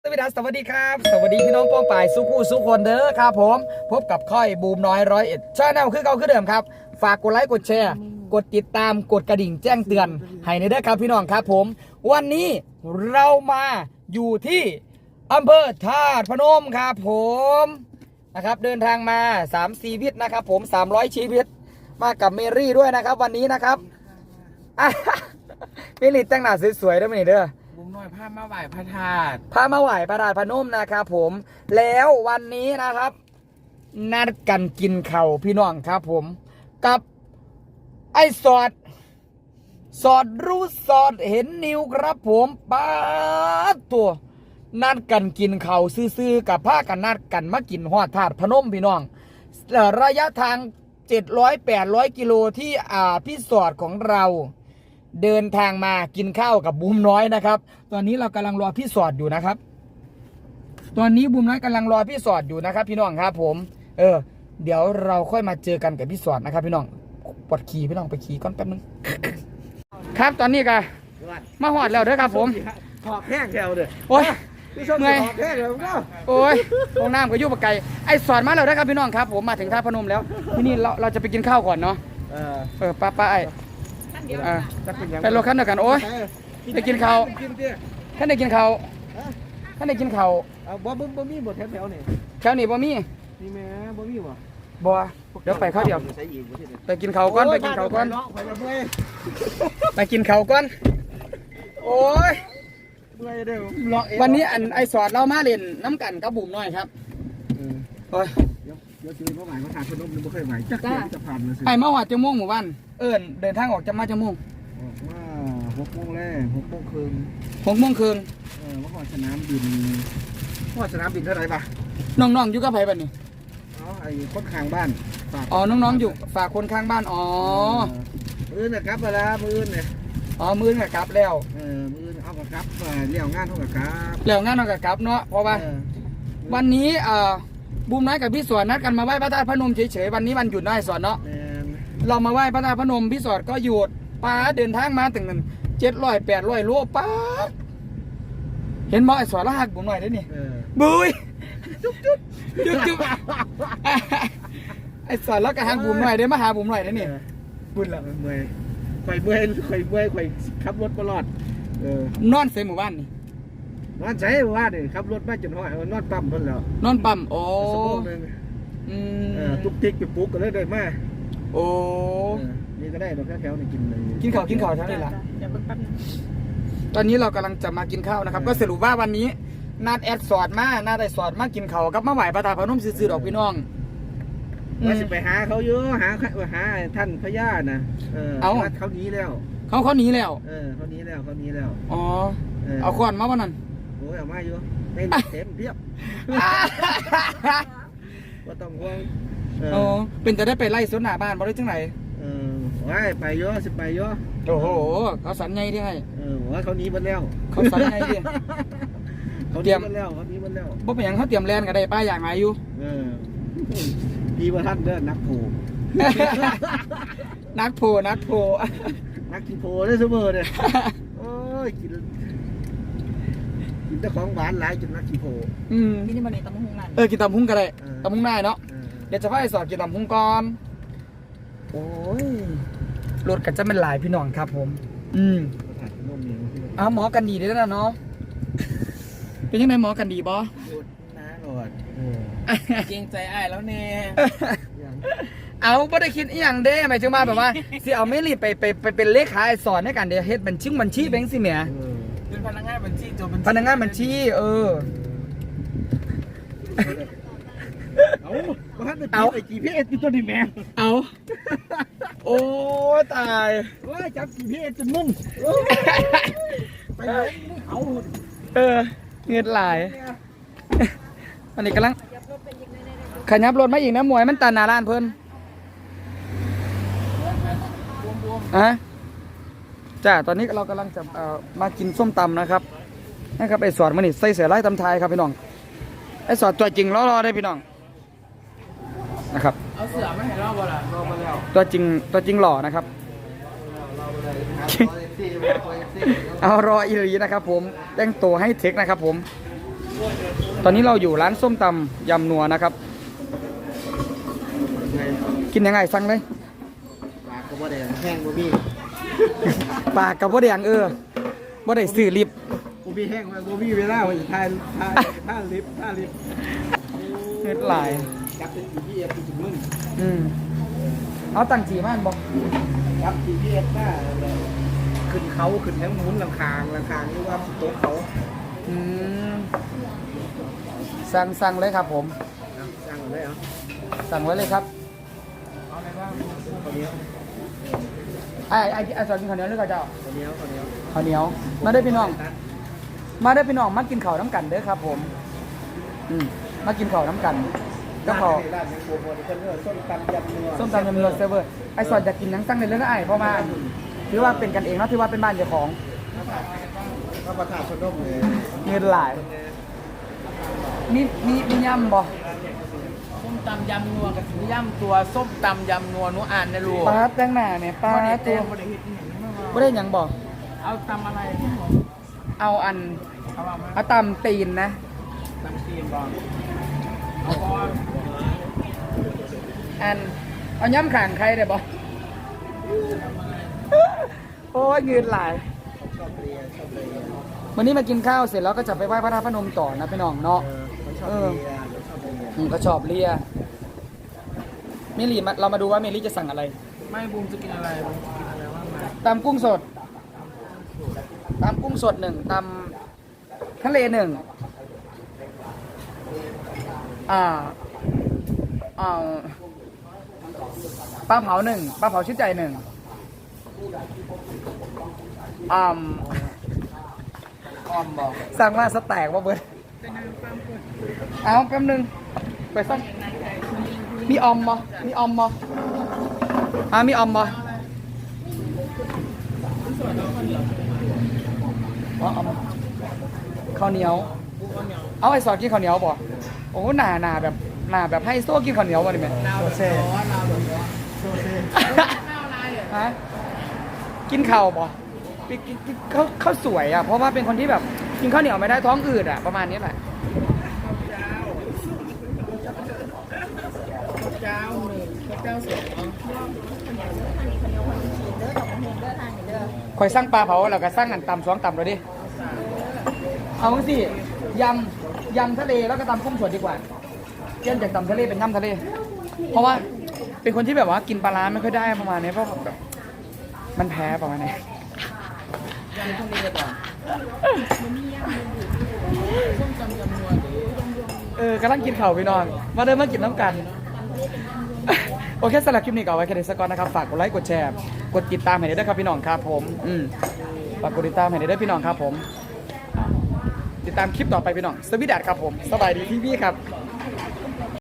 สวัสดีครับสวัสดีพี่น้องป้องป่ายสุขูสุคนเด้อครับผมพบกับค่อยบูมน้อย101ชาแนลคือเก่าคือเดิมครับฝากกดไลค์กดแชร์กดติดตามกดกระดิ่งแจ้งเตือนให้ในเด้อครับพี่น้องครับผมวันนี้เรามาอยู่ที่อำเภอธาตุพนมครับผมนะครับเดินทางมา3 ชีวิตนะครับผม300 ชีวิตมากับเมรี่ด้วยนะครับวันนี้นะครับเมรี่แต่งหน้าสวยๆได้ไหมเด้อบุ้มน้อยพามาไหว้พระธาตุพามาไหว้พระธาตุพนมนะครับผมแล้ววันนี้นะครับ นัดกันกินข้าวพี่น้องครับผมกับไอ้สอดรู้สอดเห็นนิวครับผมป้าตัวนัดกันกินข้าวซื่อๆกับผ้ากันนัดกันมากินฮอดธาตุพนมพี่น้องระยะทาง700-800 กิโลที่พี่สอดของเราเดินทางมากินข้าวกับบูมน้อยนะครับตอนนี้เรากำลังรอพี่สอดอยู่นะครับตอนนี้บูมน้อยกำลังรอพี่สอดอยู่นะครับพี่น้องครับผมเดี๋ยวเราค่อยมาเจอกันกับพี่สอดนะครับพี่น้องปวดขี่พี่น้องไปขี่ก่อนแป๊บนึงครับตอนนี้กันมาหอดแล้วเด้อครับผมหอบแห้งแถวเด้อโอ้ยเมื่อยหอบแห้งเดี๋ยวก็โอ้ยห้องน้ำก็ยุ่งปะไก่ไอ้สอดมาแล้วนะครับพี่น้องครับผมมาถึงท่าพนมแล้วที่นี่เราจะไปกินข้าวก่อนเนาะป้าไอ้ไปรถคันเดียวกันโอ้ยได้กินข้าวท่านได้กินข้าวบ่มีบ่แถวนี่แถวนี้บ่มีนี่แม่บ่มีบ่เดี๋ยวไปข้าวเดียวไปกินข้าวก่อนไปกินข้าวก่อนโอ้ยวันนี้ไอ้สอดเรามาเล่นน้ำกันกับบุ๋มน้อยครับโอ้ยเดี๋ยวมาหมายมาทานขนมนึงบ่เคยหมายจักจะผ่านเลยสิไอ้มาวัดจะม่วงหมู่บ้านเดินทางออกจะมาจะม่วงว่า6 โมงแรก6 โมงครึ่ง 6 โมงครึ่งมาหอดสนามบินเท่าไหร่ปะน้องๆอยู่กับไผบัดนี้ไอ้คนข้างบ้านอ๋อน้องๆอยู่ฝากคนข้างบ้านอ๋อมื้อน่ะกลับเวลามื้อเนี่ยมื้อน่ะกลับแล้วมื้อเอากลับเลี้ยวงานเฮาก็กลับเลี้ยวงานเฮาก็กลับเนาะเพราะว่าวันนี้บูมน้อยกับพี่สอนนัดกันมาไหว้พระธาตุพนมเฉยๆวันนี้วันหยุดได้สอนเนาะเรามาไหว้พระธาตุพนมพี่สอนก็หยุดป้าเดินทางมาถึง700-800 โลป้าเห็นบ่ไอ้สอนละหักบูมน้อยได้นี่บุยจุ๊บไอ้สอนแล้วก็หักบูมน้อยได้มาหาบูมน้อยได้นี่บุญละเมื่อยข่อยขับรถตลอดนอนเซหมู่บ้านนี่นอนใช้ว่านี่ขับรถมาจนห้อยนอนปั๊มเพิ่นแล้วนอนปั๊มโอ้ตุกติกไปปลุกก็เลยได้มาโอ้นี่ก็ได้ดอกแถวๆนี่กินเลยกินข้าวเท่านี้ล่ะตอนนี้เรากำลังจะมากินข้าวนะครับก็สรุปว่าวันนี้นัดแอดสอดมานัดไอสอดมากินข้าวกับมาไหว้พระธาตุพนมซื่อๆดอกพี่น้องว่าสิไปหาเขาเยอะหาท่านพญาน่ะเขาหนีแล้วเขาหนีแล้วเขาหนีแล้วอ๋อเอาขวานมาวันนั้นโอ้ยเอามาอยู่ในเต็มเพียบว่าต้องห่วงเป็นจะได้ไปไล่สวนหน้าบ้านบ่ได้จังไหนว่าไปเยอะสิไปเยอะโอ้โหเขาสันไงที่ให้ว่าเขาหนีหมดแล้วเขาสันไงที่เขาเตรียมแล้วบ่เป็นอย่างเขาเตรียมแลนกันได้ป้าอย่างไรอยู่ดีว่าท่านเดินนักโผนักกินโผได้เสมอเลยโอ้ยกินแต่ของหวานหลายจนนักกินโผกินนี่มันนี่ตำหุ้งได้กินตำหุ้งก็ได้ตำหุ้งได้เนาะเดี๋ยวจะพาไอ้สอดกินตำหุ้งก่อนโอ้ยรถกันจะเป็นหลายพี่น้องครับผมหมอกันดีได้แล้วเนาะเป็นยังไงหมอกันดีบอน้าหลอดเกรงใจอ้ายแล้วแน่เอาไม่ได้คิดอย่างเด้หมายถึงมาแบบว่าสิเอาไม่รีบไปเป็นเลขาไอ้สอนให้กันเดี๋ยวเฮ็ดบัญชีแบงค์สิเมียเป็นพนักงานบัญชีพนักงานบัญชีเอาไอ้ GPS ตัวนี้แม่เอาโอ้ตายว่าจับ GPS จนมุ่งไปเอาเงินหลายอันนี้กำลังขยับรถมาอีกนะมวยมันตันหน้าร้านเพิ่นจ้าตอนนี้เรากำลังจะมากินส้มตำนะครับไอ้สอดมันนี่ใส่เสือไล่ตำไทยครับพี่น้องไอ้สอดตัวจริงรอได้พี่น้องนะครับเอาเสือมาให้รอบ่ล่ะรอมาแล้วตัวจริงหล่อนะครับเอารออีหลีนะครับผมแต่งตัวให้เทคนะครับผมตอนนี้เราอยู่ร้านส้มตำยำนัวนะครับไงกินยังไงสั่งเลยปากก็บ่ได้แห้งบ่มีปากกับบ่ได้หยังบ่ได้ซื้อลิฟต์บ่มีแห้งบ่มีเวลาว่าจะทายลิฟต์เฮ็ดหลายจับเป็น GPS ถึงมึงเอาตังจีมันบอกจับ GPS หน้าขึ้นเขาขึ้นทั้งหมุนลำคางหรือว่าโต๊ะเขาสั่งเลยครับผมสั่งเลยเหรอสั่งไว้เลยครับเอาอะไรบ้างข้าวเหนียวไอ้สอนกินข้าวเหนียวหรือข้าวเจ้าข้าวเหนียวข้าวเหนียว มาได้อพี่น้อง มาได้อพี่น้องมากินข้าวน้ำกันเด้อครับผมมากินข้าวน้ำกันก็พอร้านยังโปรโมทเพิ่นเด้อส้มตำยำนัวส้มตำยำนัวเซเวอร์ไอ้สอนอยากกินหยังสั่งในเรื่องไอ้เพราะว่าถือว่าเป็นกันเองเนาะที่ว่าเป็นบ้านเจ้าของพระประธานชนมเลยเงินหลายมียำบ่ส้มตำยำนัวกับสีย่ำตัวส้มตำยำนัวหนูอ่านในรูปลาแตงหน้าเนี่ยปลาบ่ได้ตัเต็วมบ่ได้เฮ็ดอีหยังไม่ว่าไม่ได้หยังบ่เอาตำอะไรเอาอันเอาว่ามาเอาตำตีนนะตำตีนบ่เอาบ่อันเอาย่ำข่างใครได้บ่โอ้ยเงินหลายชอบเรียนวันนี้มากินข้าวเสร็จแล้วก็จะไปไหว้พระธาตุพนมต่อนะพี่น้องเนาะมันชอบเรียนชอบเรียนก็ชอบเลียเมลี่เรามาดูว่าเมลี่จะสั่งอะไรไม่บูมจะกินอะไรบูมจะกินอะไรว่ามาตำกุ้งสดตำกุ้งสด1ตำทะเล1ปลาเผา1ปลาเผาชิ้นใจ1 ออมบอกสั่งว่าสแต็กว่าเบิร์ดเอาแป๊บนึงไปสั่งมีออมบ่มีออมบ่มีออมบ่อ๋อออมข้าวเหนียว เอาไอ้สอนกินข้าวเหนียวบ่โอ้หนาแบบให้โซ่กินข้าวเหนียวบ่ดิแม่นาวแบบร้อนนาวแบบร้อนโซเซ่ฮะกินข้าวบ่ไปกินข้าวสวยอ่ะเพราะว่าเป็นคนที่แบบกินข้าวเหนียวไม่ได้ท้องอืดอ่ะประมาณนี้แหละเจ้าหนึ่งเจ้าสองคอยสร้างปลาเผาแล้วก็สร้างอันตำ2ตำเลยดิเอาสิยำทะเลแล้วก็ตำกุ้งสดดีกว่าเปลี่ยนจากตำทะเลเป็นยำทะเล เพราะว่าเป็นคนที่แบบว่ากินปลาร้าไม่ค่อยได้ประมาณนี้เพราะแบบมันแพ้ประมาณนี้ยำทะเลก่อนส้มตำยำนัวหรือกำลังกินข้าวพี่น้องมาเดินมากินน้ำกัน โอเคสำหรับคลิปนี้ก็เอาไว้แค่นี้สักก่อนนะครับฝากกดไลค์กดแชร์กดติดตามให้ด้วยครับพี่น้องครับผมฝากกดติดตามให้ด้วยพี่น้องครับผม ติดตามคลิปต่อไปพี่น้องสวีดัตครับผมสบายดีพี่ครับ